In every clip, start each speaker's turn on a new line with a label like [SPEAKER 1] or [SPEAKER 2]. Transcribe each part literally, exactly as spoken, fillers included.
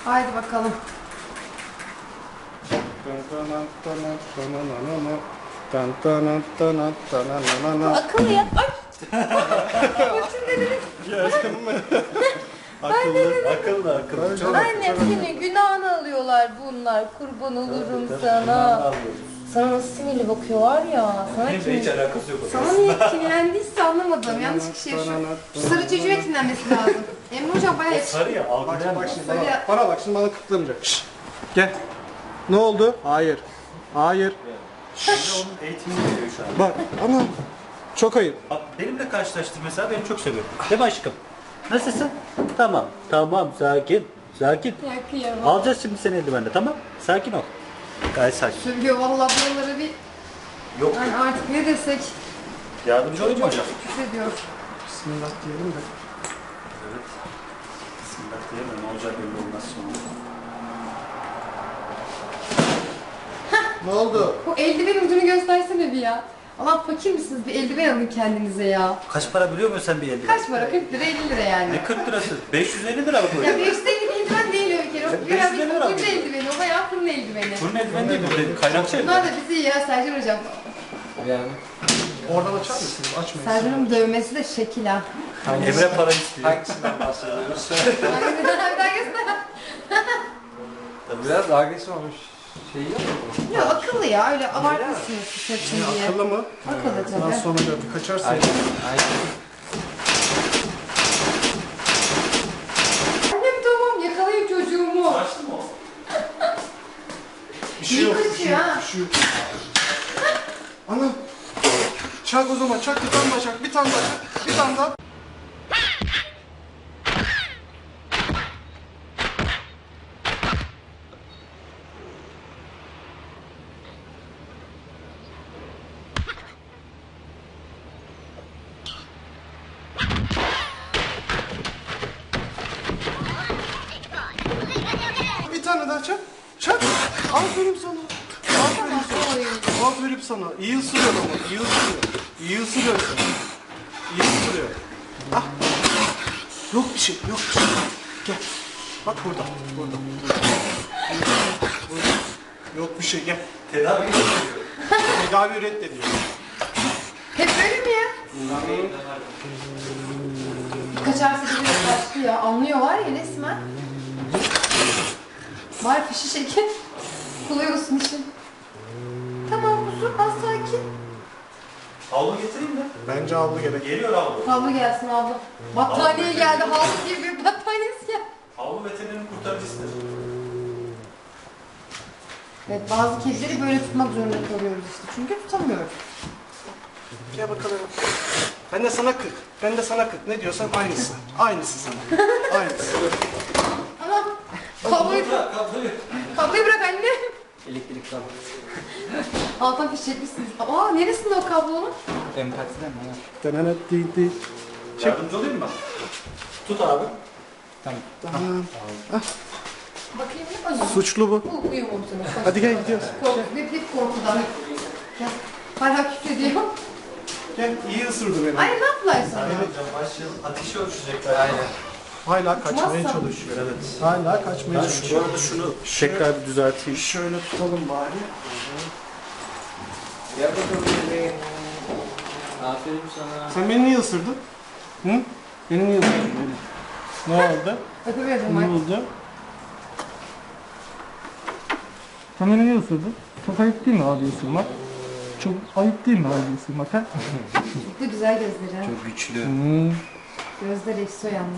[SPEAKER 1] Haydi bakalım. Akıllı ya. Ay. Bütün dediniz.
[SPEAKER 2] Gördün mü? Akıllı, akıllı, akıllı. Çok
[SPEAKER 1] Anne senin günahını alıyorlar bunlar. Kurban olurum sana. Sana nasıl sinirli bakıyorlar ya. Sana
[SPEAKER 2] Benim de hiç alakası yok.
[SPEAKER 1] Sana niye kinlendiyse anlamadım. Yanlış kişiye şu, şu sarı çocuğa kinlenmesi lazım. Emre hocam bayağı yetişkin.
[SPEAKER 2] Sarı ya, algılayan
[SPEAKER 3] Bak
[SPEAKER 2] mı?
[SPEAKER 3] şimdi bana, bana bak şimdi bana kıtlamayacak. Şşş. Gel. Ne oldu? Hayır. Hayır.
[SPEAKER 2] Şimdi onun eğitimini veriyor şu an.
[SPEAKER 3] Bak ama çok ayıp.
[SPEAKER 2] Bak, benimle karşılaştır mesela, beni çok seviyorum. Değil mi aşkım? Nasılsın? Tamam, tamam, sakin, sakin.
[SPEAKER 1] Ya kıyamam.
[SPEAKER 2] Alacağız şimdi seni eldivenle, tamam? Sakin ol. Gayet sakin.
[SPEAKER 1] Sövüyor vallahi buraları bir.
[SPEAKER 2] Yok.
[SPEAKER 1] Yani artık ne desek
[SPEAKER 2] Yardımcı olayım mı hocam?
[SPEAKER 1] küfrediyor.
[SPEAKER 3] Bismillah diyelim de.
[SPEAKER 2] Evet. Bismillah diyeyim de ne olacak belli olmaz sonra.
[SPEAKER 3] Ne oldu?
[SPEAKER 1] Bu eldiven ucunu göstersene bir ya. Allah fakir misiniz? Bir eldiven alın kendinize ya.
[SPEAKER 2] Kaç para biliyor musun sen bir eldiven?
[SPEAKER 1] Kaç para? kırk lira elli lira yani.
[SPEAKER 2] Ne kırk lirası? beş yüz elli lira mı bu?
[SPEAKER 1] Ya beş yüz elli eldiven değil o bir kere. O
[SPEAKER 2] beş
[SPEAKER 1] bayağı
[SPEAKER 2] yüz
[SPEAKER 1] bir
[SPEAKER 2] elli lira mı?
[SPEAKER 1] fırın eldiveni. O bayağı fırın eldiveni.
[SPEAKER 2] Bunun eldiven değil mi? Kaynakçı
[SPEAKER 1] Bunlar
[SPEAKER 2] eldiven.
[SPEAKER 1] da bizi iyi ya Sercan hocam.
[SPEAKER 4] Yani
[SPEAKER 3] Oradan açar mısınız? Açmayın.
[SPEAKER 1] Sercan'ın dövmesi de şekil ha.
[SPEAKER 2] Emre para istiyor.
[SPEAKER 4] hangisinden bahsediyoruz?
[SPEAKER 1] Hangisinden bir daha göster.
[SPEAKER 4] Biraz agresif olmuş şey yok mu?
[SPEAKER 1] Ya akıllı ya öyle abartmışsınız saçın diye.
[SPEAKER 3] Akıllı mı?
[SPEAKER 1] Akıllı
[SPEAKER 3] Daha
[SPEAKER 1] tabii.
[SPEAKER 3] sonra gördük. Kaçarsın.
[SPEAKER 4] Aynen. Aynen.
[SPEAKER 1] Annem tamam yakalayın çocuğumu.
[SPEAKER 2] Açtı mı o?
[SPEAKER 3] Bir şey
[SPEAKER 1] İyi
[SPEAKER 3] yok. Bir
[SPEAKER 1] kaçıyor
[SPEAKER 3] şey yok.
[SPEAKER 1] ha.
[SPEAKER 3] Bir şey yok. Ana. Çak o zaman. Çak bir tane daha çak. Bir tane daha çak. Bir tane daha. Bir tane daha çak. Çak. Aferin sana. Aferin sana. Aferin sana. İyi ısırıyor ama. İyi ısırıyor. İyi ısırıyor. İyi ısırıyor. Ah. Yok bir şey. Yok bir şey. Gel. Bak burada. Burada. Burada. Yok bir şey. Gel.
[SPEAKER 2] Tedavi ediyor.
[SPEAKER 3] Tedavi reddediyor.
[SPEAKER 1] Hep böyle mi ya? Kaçarsa gidiyor başlı ya. Anlıyor var ya resmen. Var fişi şeker. Kolay olsun işin. Tamam huzur az sakin.
[SPEAKER 2] Havlu getireyim mi?
[SPEAKER 3] Bence havlu gerek.
[SPEAKER 2] Geliyor havlu.
[SPEAKER 1] Havlu gelsin havlu. Battaniye geldi. Havlu diye bir battaniyesi geldi.
[SPEAKER 2] Havlu veterinerin kurtarıcısıdır.
[SPEAKER 1] Evet bazı kedileri böyle tutmak zorunda kalıyoruz işte. Çünkü tutamıyoruz.
[SPEAKER 3] Gel bakalım. Ben de sana kırk. Ben de sana kırk. Ne diyorsan aynısı. Aynısı sana. Aynısı.
[SPEAKER 1] Tamam. Kabloyu,
[SPEAKER 2] Bırak kabloyu.
[SPEAKER 1] kabloyu bırak anne.
[SPEAKER 4] Elektrik kablo.
[SPEAKER 1] Alttan fiş çekmişsiniz. Aa neresinde o kablonun?
[SPEAKER 4] Empatiden mi? Ha.
[SPEAKER 3] Denenet değil değil.
[SPEAKER 2] Yardımcı olayım mı? Tut abi.
[SPEAKER 4] Tamam.
[SPEAKER 3] Tamam.
[SPEAKER 1] Bakayım ne acaba?
[SPEAKER 3] Suçlu bu.
[SPEAKER 1] Bu uyumamışsınız.
[SPEAKER 3] Hadi gel gidiyoruz.
[SPEAKER 1] Kork, hep hep korkudan. Gel. Hala küfrediyor.
[SPEAKER 3] Gel iyi ısırdı beni.
[SPEAKER 1] Ay ne yaptılar sana?
[SPEAKER 2] Hocam başlayalım. Ateşi ölçecekler.
[SPEAKER 4] Aynen.
[SPEAKER 3] Hala kaçmaya
[SPEAKER 1] Tutmazsa.
[SPEAKER 3] çalışıyor.
[SPEAKER 2] Evet.
[SPEAKER 3] Hala kaçmaya
[SPEAKER 2] Ben şu
[SPEAKER 3] çalışıyor.
[SPEAKER 2] arada şunu tekrar bir düzelteyim.
[SPEAKER 3] Şöyle tutalım bari.
[SPEAKER 4] Gel bakalım bebeğim. Aferin sana.
[SPEAKER 3] Sen beni niye ısırdın? Hı? Beni niye ısırdın beni? Ne oldu?
[SPEAKER 1] Öpemiyordum
[SPEAKER 3] Ne
[SPEAKER 1] ben.
[SPEAKER 3] oldu? Sen beni niye ısırdın? Çok ayıp değil mi abi ısırmak? Çok ayıp değil mi abi ısırmak ha?
[SPEAKER 1] Çok da güzel gözleri. ha.
[SPEAKER 2] Çok güçlü.
[SPEAKER 3] Hmm.
[SPEAKER 1] Gözler ekso yalnız.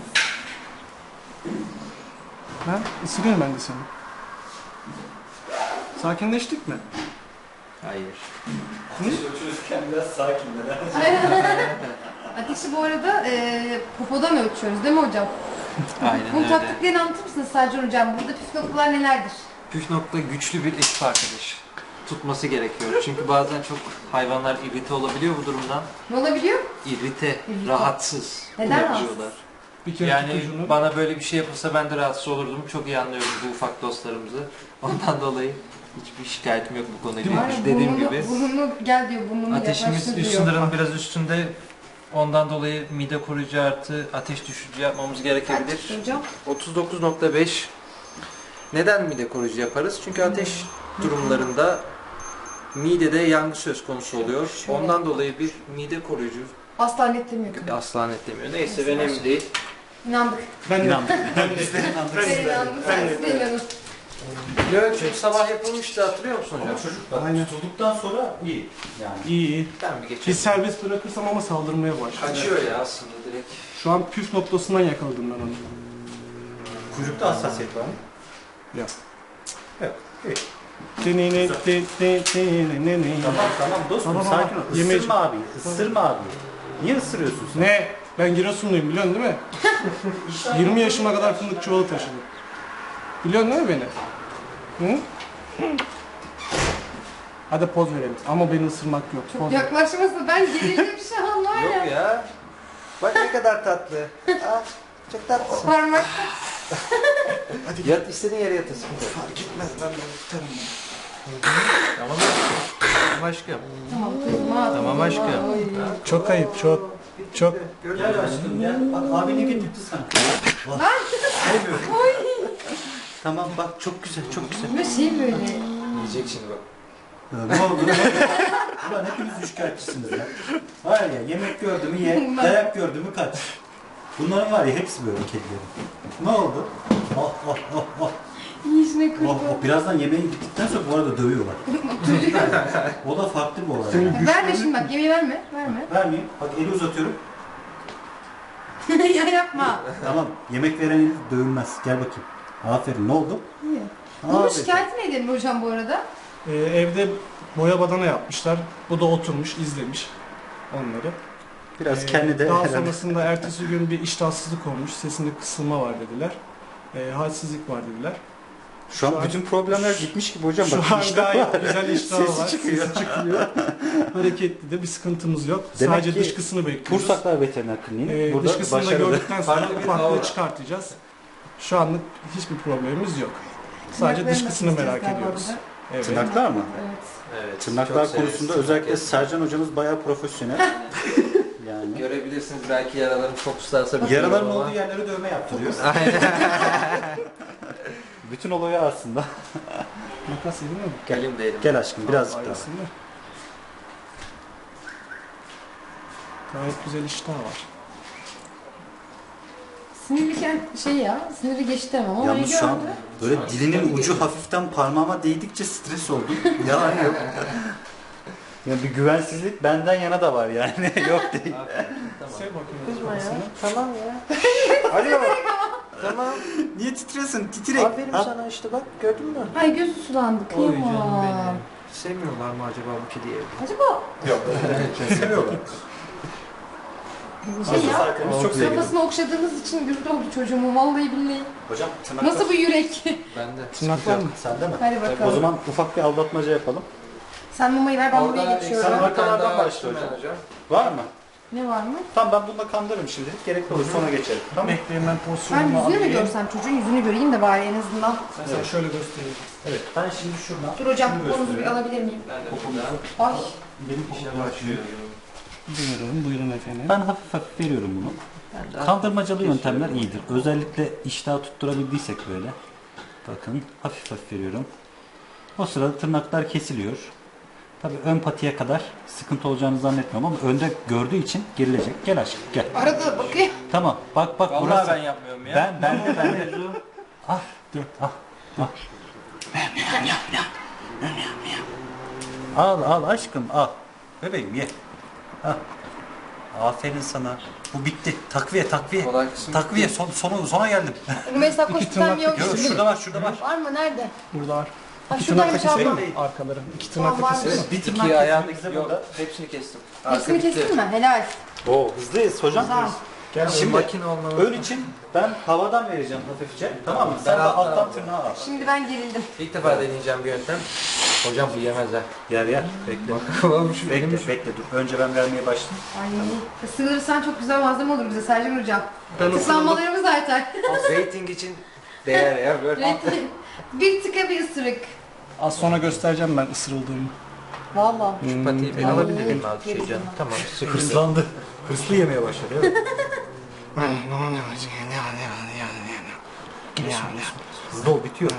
[SPEAKER 3] Ha? Isırıyorum ben de seni. Sakinleştik mi?
[SPEAKER 4] Hayır.
[SPEAKER 2] Ateşi ölçülürken biraz sakinler.
[SPEAKER 1] Ateşi bu arada e, popodan ölçüyoruz değil mi hocam?
[SPEAKER 4] Aynen
[SPEAKER 1] Bunun
[SPEAKER 4] öyle.
[SPEAKER 1] taktiklerini anlatır mısınız Sercan hocam? Burada püf noktalar nelerdir?
[SPEAKER 4] Püf nokta güçlü bir ekip arkadaş. Tutması gerekiyor. Çünkü bazen çok hayvanlar irite olabiliyor bu durumdan.
[SPEAKER 1] Ne olabiliyor?
[SPEAKER 4] İrite,
[SPEAKER 1] İrite.
[SPEAKER 4] rahatsız
[SPEAKER 1] Neden
[SPEAKER 4] oluyorlar.
[SPEAKER 3] Bir kere
[SPEAKER 4] Yani
[SPEAKER 3] tutucunu.
[SPEAKER 4] bana böyle bir şey yapılsa ben de rahatsız olurdum. Çok iyi anlıyorum bu ufak dostlarımızı. Ondan dolayı hiçbir şikayetim yok bu konuyla.
[SPEAKER 1] Var ya,
[SPEAKER 4] ilgili. Dediğim
[SPEAKER 1] burnunu,
[SPEAKER 4] gibi
[SPEAKER 1] Burnunu gel diyor, burnunu
[SPEAKER 4] ateşimiz
[SPEAKER 1] yaklaştır
[SPEAKER 4] üst
[SPEAKER 1] diyor.
[SPEAKER 4] sınırın biraz üstünde. Ondan dolayı mide koruyucu artı ateş düşürücü yapmamız
[SPEAKER 1] Kaç
[SPEAKER 4] gerekebilir.
[SPEAKER 1] hocam?
[SPEAKER 4] otuz dokuz nokta beş Neden mide koruyucu yaparız? Çünkü ateş durumlarında midede yangı söz konusu oluyor. Ondan dolayı bir mide koruyucu
[SPEAKER 1] Asla netlemiyorum.
[SPEAKER 4] asla netlemiyor. Neyse önemli değil.
[SPEAKER 1] İnandık.
[SPEAKER 3] Ben de.
[SPEAKER 2] İnandım.
[SPEAKER 3] Ben de.
[SPEAKER 1] Ben inandım. Sen siz de inanın.
[SPEAKER 4] Löğüt sabah yapılmıştı, hatırlıyor musun hocam?
[SPEAKER 2] Çocuk bak,
[SPEAKER 3] Aynen.
[SPEAKER 2] tutulduktan sonra iyi. Yani.
[SPEAKER 3] İyi iyi.
[SPEAKER 4] Ben bir geçelim.
[SPEAKER 3] Bir serbest bırakırsam ama saldırmaya başlıyor.
[SPEAKER 4] Kaçıyor ya aslında direkt.
[SPEAKER 3] Şu an püf noktasından yakaladım ben onu.
[SPEAKER 2] Kuyrukta hassasiyet var mı?
[SPEAKER 3] Yok.
[SPEAKER 2] Yok. İyi.
[SPEAKER 3] Denene, de, de, de, ne, ne.
[SPEAKER 2] Tamam tamam dostum
[SPEAKER 3] Tamam,
[SPEAKER 2] sakin
[SPEAKER 3] tamam.
[SPEAKER 2] ol.
[SPEAKER 3] Yemeği-
[SPEAKER 2] Isırma abi. Isırma abi. Niye ısırıyorsun sen?
[SPEAKER 3] Ne? Ben Giresunluyum biliyorsun değil mi? yirmi yaşıma kadar fındık çuvalı taşıdım. Biliyorsun değil mi beni? Hı? Hadi poz verelim. Ama beni ısırmak yok. Poz ver.
[SPEAKER 1] Yaklaşmasın. Ben gerildim şu an var ya.
[SPEAKER 4] Yok ya. Bak ne kadar tatlı. Ah, çok tatlısın.
[SPEAKER 1] Parmak.
[SPEAKER 4] Yat, istediğin yere yatırsın.
[SPEAKER 3] Fark etmez ben de tutarım.
[SPEAKER 4] Tamam aşkım. Tamam aşkım.
[SPEAKER 1] Tamam kızma.
[SPEAKER 4] Tamam aşkım.
[SPEAKER 3] Çok ayıp, çok. Çok.
[SPEAKER 2] Gel aşkım gel. Bak abi ne getirdi sana? Lan. Sevmiyorum. Tamam bak çok güzel çok güzel.
[SPEAKER 1] Böyle şey böyle.
[SPEAKER 4] Yiyecek şimdi bak.
[SPEAKER 2] Ne oldu? Ulan hepiniz şikayetçisiniz ya. Var ya yemek gördü mü ye, dayak gördü mü kaç. Bunların var ya hepsi böyle kedilerin. Ne oldu? Oh oh oh oh.
[SPEAKER 1] Yiyişine
[SPEAKER 2] Oh,
[SPEAKER 1] kurban.
[SPEAKER 2] oh. Birazdan yemeği bittikten sonra bu arada dövüyorlar. O da farklı bir olay. Yani.
[SPEAKER 1] Verme şimdi bak. Yemeği verme. Verme.
[SPEAKER 2] Vermeyeyim. Bak eli uzatıyorum.
[SPEAKER 1] Ya yapma.
[SPEAKER 2] Tamam. Yemek veren eli dövülmez. Gel bakayım. Aferin. Ne oldu?
[SPEAKER 1] İyi. Bunun
[SPEAKER 2] Aferin.
[SPEAKER 1] şikayeti ne edelim hocam bu arada?
[SPEAKER 3] Ee, evde boya badana yapmışlar. Bu da oturmuş, izlemiş onları.
[SPEAKER 2] Biraz
[SPEAKER 3] Ee,
[SPEAKER 2] kendi de
[SPEAKER 3] Daha
[SPEAKER 2] herhalde.
[SPEAKER 3] sonrasında ertesi gün bir iştahsızlık olmuş. Sesinde kısılma var dediler. Ee, halsizlik var dediler.
[SPEAKER 2] Şu an
[SPEAKER 3] Şu an-
[SPEAKER 2] bütün problemler gitmiş gibi hocam.
[SPEAKER 3] Şu
[SPEAKER 2] Bak
[SPEAKER 3] an
[SPEAKER 2] işte
[SPEAKER 3] gayet
[SPEAKER 2] var.
[SPEAKER 3] güzel iştahı
[SPEAKER 2] Sesi
[SPEAKER 3] var.
[SPEAKER 2] çıkıyor.
[SPEAKER 3] Sesi çıkıyor. Hareketli de bir sıkıntımız yok.
[SPEAKER 2] Demek
[SPEAKER 3] Sadece
[SPEAKER 2] ki
[SPEAKER 3] dışkısını bekliyoruz.
[SPEAKER 2] Pursaklar Veteriner Kliniği.
[SPEAKER 3] Ee,
[SPEAKER 2] Burada
[SPEAKER 3] dışkısını da
[SPEAKER 2] başarılı.
[SPEAKER 3] gördükten sonra
[SPEAKER 4] Farklı bir
[SPEAKER 3] ufaklığı
[SPEAKER 4] aura.
[SPEAKER 3] çıkartacağız. Şu anlık hiçbir problemimiz yok. Sadece
[SPEAKER 1] Tırnaklarını
[SPEAKER 3] dışkısını
[SPEAKER 1] nasıl
[SPEAKER 3] merak
[SPEAKER 1] keseceğiz
[SPEAKER 3] ediyoruz.
[SPEAKER 1] galiba
[SPEAKER 3] Evet.
[SPEAKER 2] Tırnaklar mı?
[SPEAKER 1] Evet.
[SPEAKER 4] Evet.
[SPEAKER 2] Tırnaklar
[SPEAKER 4] çok severiz.
[SPEAKER 2] konusunda özellikle Sercan hocamız bayağı profesyonel. Yani.
[SPEAKER 4] Görebilirsiniz belki yaralarım çok ıslarsa bir
[SPEAKER 2] Yaraların
[SPEAKER 4] ama-
[SPEAKER 2] olduğu yerlere dövme yaptırıyor.
[SPEAKER 4] Aynen.
[SPEAKER 2] Bütün olayı aslında.
[SPEAKER 3] Makas yedin mi?
[SPEAKER 4] Gelim değilim.
[SPEAKER 2] Gel aşkım birazcık daha.
[SPEAKER 3] Ayrısını. Gayet güzel iştah var.
[SPEAKER 1] Sinirliyken şey ya, siniri geçti ama orayı
[SPEAKER 2] Yalnız şu an
[SPEAKER 1] gördü.
[SPEAKER 2] böyle dilinin ucu hafiften parmağıma değdikçe stres oldum. Yalan yok. Yani bir güvensizlik benden yana da var yani. Yok değil.
[SPEAKER 3] Sev bakayım.
[SPEAKER 1] Kızma ya.
[SPEAKER 3] kafasını.
[SPEAKER 4] Tamam ya. Alo. Tamam.
[SPEAKER 2] Niye titriyorsun? Titrek.
[SPEAKER 4] Aferin
[SPEAKER 2] Ha?
[SPEAKER 4] sana işte bak gördün mü?
[SPEAKER 1] Ay gözü sulandı,
[SPEAKER 4] Oy canım
[SPEAKER 1] kıyamam.
[SPEAKER 4] benim. Sevmiyorlar mı acaba bu kediyi?
[SPEAKER 1] Acaba
[SPEAKER 2] Yok. Seviyorlar.
[SPEAKER 1] şey ya,
[SPEAKER 2] Arkadaşımız çok seviyor.
[SPEAKER 1] kafasını okşadığınız için güldü oldu çocuğumu vallahi billahi.
[SPEAKER 2] Hocam tırnaklar.
[SPEAKER 1] Nasıl bu yürek?
[SPEAKER 4] Ben de.
[SPEAKER 3] Tırnaklar mı?
[SPEAKER 2] Sende mi?
[SPEAKER 1] Hadi bakalım.
[SPEAKER 2] O zaman ufak bir aldatmaca yapalım.
[SPEAKER 1] Sen mamayı ver, ben buraya
[SPEAKER 2] Sen
[SPEAKER 1] geçiyorum.
[SPEAKER 2] arkalardan başla hocam. Var mı?
[SPEAKER 1] Ne var mı?
[SPEAKER 2] Tamam ben bununla kandırırım şimdilik. Gerekli olur sonra geçerim. Tamam.
[SPEAKER 3] Bekleyin ben
[SPEAKER 1] Ben
[SPEAKER 3] pozisyonumu
[SPEAKER 1] yüzünü mü
[SPEAKER 3] alayım.
[SPEAKER 1] görsem, çocuğun yüzünü göreyim de bari en azından.
[SPEAKER 3] Ben sana şöyle göstereyim.
[SPEAKER 2] Evet. Ben şimdi şuradan.
[SPEAKER 1] Dur hocam,
[SPEAKER 2] şunu
[SPEAKER 1] konunuzu bir
[SPEAKER 2] gösteriyorum.
[SPEAKER 1] alabilir miyim?
[SPEAKER 4] Ben de burada.
[SPEAKER 1] Ay,
[SPEAKER 2] Benim
[SPEAKER 4] İşe
[SPEAKER 2] popom açıyor.
[SPEAKER 4] başlıyorum.
[SPEAKER 3] Buyurun, buyurun efendim.
[SPEAKER 2] Ben hafif hafif veriyorum bunu.
[SPEAKER 4] Ben de
[SPEAKER 2] Kandırmacalı yöntemler iyidir. Özellikle iştahı tutturabildiysek böyle. Bakın hafif hafif veriyorum. O sırada tırnaklar kesiliyor. Tabii ön patiye kadar sıkıntı olacağını zannetmiyorum ama önde gördüğü için gerilecek. Gel aşkım gel.
[SPEAKER 1] arada bakayım.
[SPEAKER 2] Tamam bak bak
[SPEAKER 4] Vallahi
[SPEAKER 2] burası.
[SPEAKER 4] ben yapmıyorum ya.
[SPEAKER 2] Ben ben de ben de. Ah dur ah ah. Al al aşkım al. Bebeğim ye. Al. Aferin sana. Bu bitti. Takviye takviye.
[SPEAKER 4] Kolay kısım
[SPEAKER 2] Takviye son, sonu, sona geldim.
[SPEAKER 1] Mesela
[SPEAKER 3] İki
[SPEAKER 1] koştuktan
[SPEAKER 3] tırnak
[SPEAKER 1] bir yok.
[SPEAKER 2] Yok şurada var şurada var.
[SPEAKER 1] Var mı? Nerede?
[SPEAKER 3] Burada var.
[SPEAKER 1] Ha
[SPEAKER 3] İki
[SPEAKER 1] şuradaymış
[SPEAKER 3] tırnak
[SPEAKER 1] abla.
[SPEAKER 3] keseyim mi? Arkaları. İki tırnak
[SPEAKER 1] Tamam, var.
[SPEAKER 3] keseyim mi?
[SPEAKER 2] Bir tırnak
[SPEAKER 4] İki ayağındaki
[SPEAKER 2] kesmek
[SPEAKER 4] yok.
[SPEAKER 2] burada.
[SPEAKER 4] Hepsini kestim.
[SPEAKER 1] Hepsini
[SPEAKER 4] Arka bitti.
[SPEAKER 1] kestin mi? Helal.
[SPEAKER 2] Oo hızlıyız hocam.
[SPEAKER 1] Güzel.
[SPEAKER 3] Gel
[SPEAKER 2] Şimdi
[SPEAKER 3] şimdi.
[SPEAKER 4] makine olmalı.
[SPEAKER 2] ön için ben havadan vereceğim hafifçe. Tamam mı? Sen
[SPEAKER 4] Ben
[SPEAKER 2] de
[SPEAKER 4] alttan
[SPEAKER 2] alttan
[SPEAKER 4] alacağım.
[SPEAKER 2] tırnağı al.
[SPEAKER 1] Şimdi ben gerildim.
[SPEAKER 4] İlk defa deneyeceğim bir yöntem. Hocam bu yemez ha.
[SPEAKER 2] Yer yer. Bekle.
[SPEAKER 4] Bakalım şu
[SPEAKER 2] Bekle bekle dur. Önce ben vermeye başlayayım.
[SPEAKER 1] Ay, ısırırsan çok güzel malzeme olur bize Sercan hocam.
[SPEAKER 3] Ben
[SPEAKER 1] Tıklanmalarımız artar.
[SPEAKER 4] Rating için değer ya böyle.
[SPEAKER 1] Bir tıka bir ısırık.
[SPEAKER 3] Az sonra göstereceğim ben ısırıldığımı.
[SPEAKER 1] Valla.
[SPEAKER 4] Şu patiyi bir
[SPEAKER 1] Ay,
[SPEAKER 4] alabilir miyim abi şey
[SPEAKER 1] yerim
[SPEAKER 4] canım?
[SPEAKER 1] ben.
[SPEAKER 4] Tamam sıkıntı.
[SPEAKER 2] Hırslandı. Hırslı yemeye başladı. Evet. Hızlı ol, bitiyor.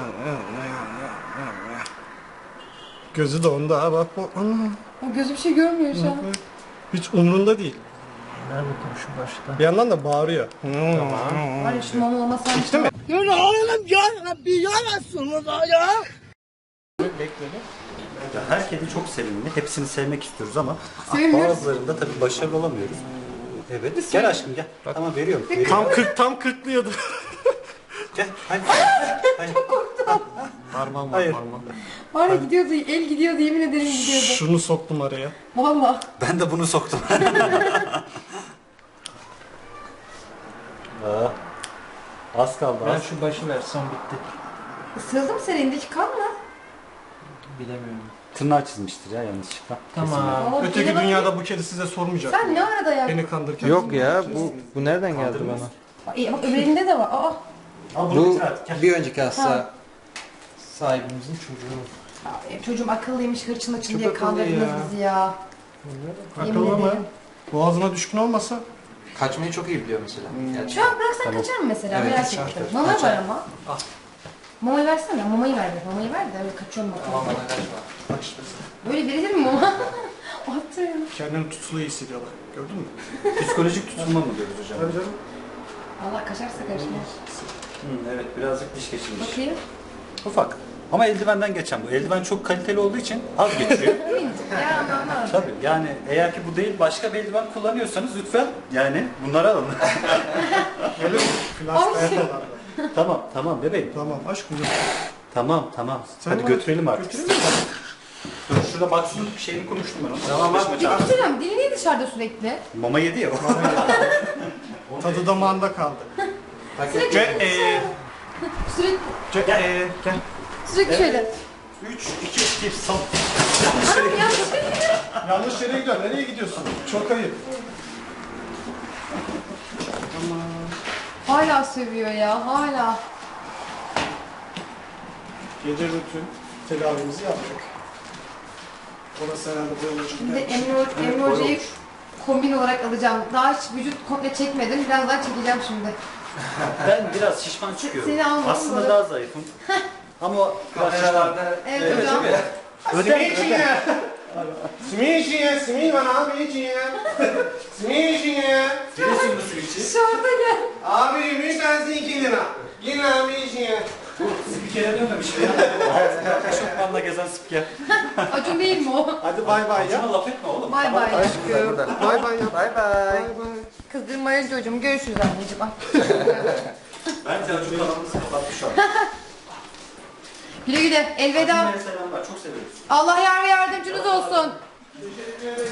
[SPEAKER 3] Gözü de onda ha, bak bak. Ana.
[SPEAKER 1] O gözü bir şey görmüyor şu an.
[SPEAKER 3] Hiç umrunda değil.
[SPEAKER 4] Ver bakalım şu başta.
[SPEAKER 3] Bir yandan da bağırıyor.
[SPEAKER 1] Var ya şu mama olmasa
[SPEAKER 3] İşte mi?
[SPEAKER 2] Ya her kedi çok sevimli. Hepsini sevmek istiyoruz ama
[SPEAKER 1] Sevmiyoruz.
[SPEAKER 2] bazılarında tabii başarılı olamıyoruz. Evet. Gel aşkım gel. Tamam veriyorum. veriyorum.
[SPEAKER 3] Tam kırk tam kırklıyordu.
[SPEAKER 2] Gel. Hadi. Hadi.
[SPEAKER 3] Parmağım var
[SPEAKER 2] Hayır.
[SPEAKER 3] parmağım.
[SPEAKER 1] Var ya gidiyordu, el gidiyordu, yemin ederim gidiyordu.
[SPEAKER 3] Şunu soktum araya.
[SPEAKER 1] Valla.
[SPEAKER 2] Ben de bunu soktum. Aa, az kaldı
[SPEAKER 4] Ben
[SPEAKER 2] az.
[SPEAKER 4] şu başı versem bitti.
[SPEAKER 1] Isırıldı mı senin elindeki kan mı?
[SPEAKER 4] Bilemiyorum.
[SPEAKER 2] Tırnağı çizmiştir ya yanlışlıkla.
[SPEAKER 4] Tamam.
[SPEAKER 1] Aa,
[SPEAKER 3] Öteki
[SPEAKER 1] kedi bana-
[SPEAKER 3] dünyada bu kedi size sormayacak.
[SPEAKER 1] Sen ne arada ya?
[SPEAKER 3] Beni kandırırken.
[SPEAKER 4] Yok ya bu bu nereden geldi
[SPEAKER 2] Kandırmaz.
[SPEAKER 4] bana?
[SPEAKER 1] E, bak öbür elinde de var. Aa.
[SPEAKER 2] Al bunu
[SPEAKER 4] Bu
[SPEAKER 2] bitir artık. Gel.
[SPEAKER 4] bir önceki
[SPEAKER 1] Ha.
[SPEAKER 4] hasta sahibimizin çocuğu.
[SPEAKER 1] Aa, çocuğum akıllıymış, hırçın hırçın
[SPEAKER 4] Çok
[SPEAKER 1] diye
[SPEAKER 4] akıllı
[SPEAKER 1] kandırdınız
[SPEAKER 4] ya.
[SPEAKER 1] bizi ya. Yemin
[SPEAKER 3] Akıllı mı?
[SPEAKER 1] ederim.
[SPEAKER 3] Boğazına düşkün olmasa.
[SPEAKER 4] Kaçmayı çok iyi biliyor mesela. Gerçi.
[SPEAKER 1] Şu an bıraksan kaçar mı mesela?
[SPEAKER 4] Evet,
[SPEAKER 1] Merak
[SPEAKER 4] kaçar,
[SPEAKER 1] ettim.
[SPEAKER 4] kaçar.
[SPEAKER 1] Mama
[SPEAKER 4] Kaçar.
[SPEAKER 1] var ama. Mamayı versene. Mamayı ver de. Mamayı ver de öyle kaçıyorum
[SPEAKER 4] Ama
[SPEAKER 1] bakalım.
[SPEAKER 4] bana kaçma.
[SPEAKER 3] Bak işte.
[SPEAKER 1] Böyle verilir mi mama? Attı ya.
[SPEAKER 3] Kendini tutulu hissediyorlar. Gördün mü?
[SPEAKER 2] Psikolojik tutulma mı diyoruz hocam?
[SPEAKER 3] Tabii canım.
[SPEAKER 1] Allah kaçarsa karışmaz.
[SPEAKER 2] Hı, evet birazcık diş geçirmiş.
[SPEAKER 1] Bakayım.
[SPEAKER 2] Ufak. Ama eldivenden geçen bu. Eldiven çok kaliteli olduğu için az geçiyor.
[SPEAKER 1] Minicik ya aman.
[SPEAKER 2] Tabii yani eğer ki bu değil başka bir eldiven kullanıyorsanız lütfen yani bunları alın.
[SPEAKER 3] Öyle mi? Flash
[SPEAKER 1] Ay.
[SPEAKER 3] dayanıyorlar.
[SPEAKER 2] Tamam tamam bebeğim.
[SPEAKER 3] Tamam aşkım.
[SPEAKER 2] Tamam tamam.
[SPEAKER 3] Sen
[SPEAKER 2] Hadi
[SPEAKER 3] bana-
[SPEAKER 2] götürelim artık.
[SPEAKER 3] Götürelim mi?
[SPEAKER 2] Dur şurada baksın bir şeyini konuştum ben onu.
[SPEAKER 4] Tamam, bak.
[SPEAKER 2] Başıma çarptı.
[SPEAKER 1] Götürüyorum. Dili niye dışarıda sürekli?
[SPEAKER 2] Mama yedi ya o.
[SPEAKER 3] Tadı damağında kaldı.
[SPEAKER 4] Paket.
[SPEAKER 3] Ce e
[SPEAKER 1] Sürekli,
[SPEAKER 3] ce e gel.
[SPEAKER 1] sürekli şöyle.
[SPEAKER 2] üç, iki, bir, son.
[SPEAKER 1] Abi ya çok iyi.
[SPEAKER 3] Yanlış yere gidiyorsun. Nereye gidiyorsun? Çok ayıp.
[SPEAKER 1] Hala sövüyor ya hala.
[SPEAKER 3] Gece rutin tedavimizi yaptık. Orası herhalde böyle çok
[SPEAKER 1] Şimdi
[SPEAKER 3] gelmiş.
[SPEAKER 1] Emre, Emre Hoca'yı kombin olarak alacağım. Daha hiç vücut komple çekmedim. Biraz daha çekeceğim şimdi.
[SPEAKER 2] Ben biraz şişman çıkıyorum.
[SPEAKER 1] Seni almadım
[SPEAKER 2] Aslında
[SPEAKER 1] böyle.
[SPEAKER 2] daha zayıfım. Ama o biraz şişman.
[SPEAKER 4] Kameralarda
[SPEAKER 1] Evet, hocam.
[SPEAKER 2] Ödem,
[SPEAKER 3] Simiçiye. Simiçiye, simi bana simiçiye. Simiçiye.
[SPEAKER 2] Biliyorsun bu switch'i.
[SPEAKER 1] Şurada gel.
[SPEAKER 3] Abi lütfen iki lira. Yine simiçiye.
[SPEAKER 2] Spikere dönmemişim ya. Şokmanla gezen spiker.
[SPEAKER 1] Acun değil mi o?
[SPEAKER 3] Hadi bay bay ya.
[SPEAKER 2] Sana laf etme oğlum.
[SPEAKER 1] Bay bay
[SPEAKER 4] burada
[SPEAKER 1] aşkım.
[SPEAKER 4] burada.
[SPEAKER 3] Bay bay ya.
[SPEAKER 4] Bay bay.
[SPEAKER 3] Bay bay.
[SPEAKER 1] Kızdırmayın çocuğum. Görüşürüz anneciğim. Ay.
[SPEAKER 2] Bence Acun kanalımızı kapatmış şu an.
[SPEAKER 1] Güle güle. Elveda.
[SPEAKER 2] Acun'lara selamlar. Çok seviyoruz.
[SPEAKER 1] Allah yar ve yardımcınız olsun.